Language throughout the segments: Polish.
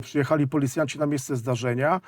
Przyjechali policjanci na miejsce zdarzenia,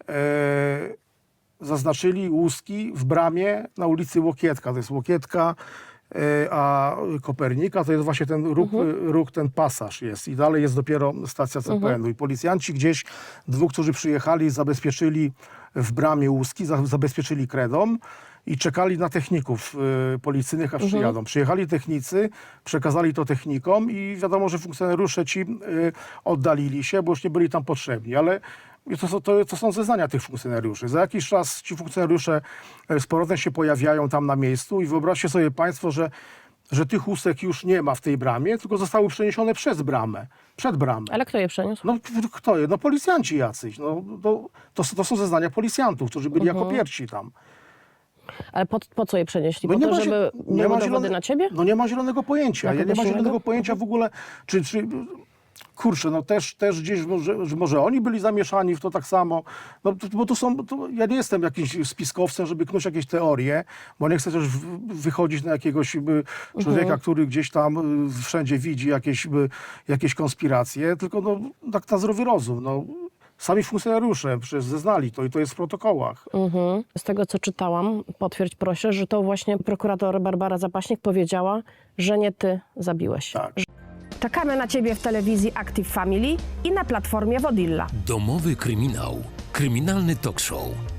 zaznaczyli łuski w bramie na ulicy Łokietka. To jest Łokietka, a Kopernika to jest właśnie ten róg, ten pasaż jest. I dalej jest dopiero stacja CPN-u. I policjanci gdzieś, dwóch, którzy przyjechali, zabezpieczyli w bramie łuski, zabezpieczyli kredą i czekali na techników policyjnych, aż przyjadą. Przyjechali technicy, przekazali to technikom i wiadomo, że funkcjonariusze ci oddalili się, bo już nie byli tam potrzebni, ale to są zeznania tych funkcjonariuszy. Za jakiś czas ci funkcjonariusze z powrotem się pojawiają tam na miejscu i wyobraźcie sobie państwo, że tych łusek już nie ma w tej bramie, tylko zostały przeniesione przez bramę, przed bramę. Ale kto je przeniósł? No kto je? No policjanci jacyś. No, to są zeznania policjantów, którzy byli jako pierwsi tam. Ale po co je przenieśli? No Po nie to, ma, żeby były dowody na ciebie? No nie ma zielonego pojęcia. Ja nie ma zielonego pojęcia w ogóle, czy kurczę, no też gdzieś może oni byli zamieszani w to tak samo. No, bo ja nie jestem jakimś spiskowcem, żeby knuć jakieś teorie, bo nie chcę też wychodzić na jakiegoś człowieka, który gdzieś tam wszędzie widzi jakieś konspiracje, tylko no, tak na zdrowy rozum. No. Sami funkcjonariusze przecież zeznali to i to jest w protokołach. Z tego, co czytałam, potwierdź proszę, że to właśnie prokurator Barbara Zapaśnik powiedziała, że nie ty zabiłeś. Tak. Czekamy na Ciebie w telewizji Active Family i na platformie Wodilla. Domowy kryminał. Kryminalny talk show.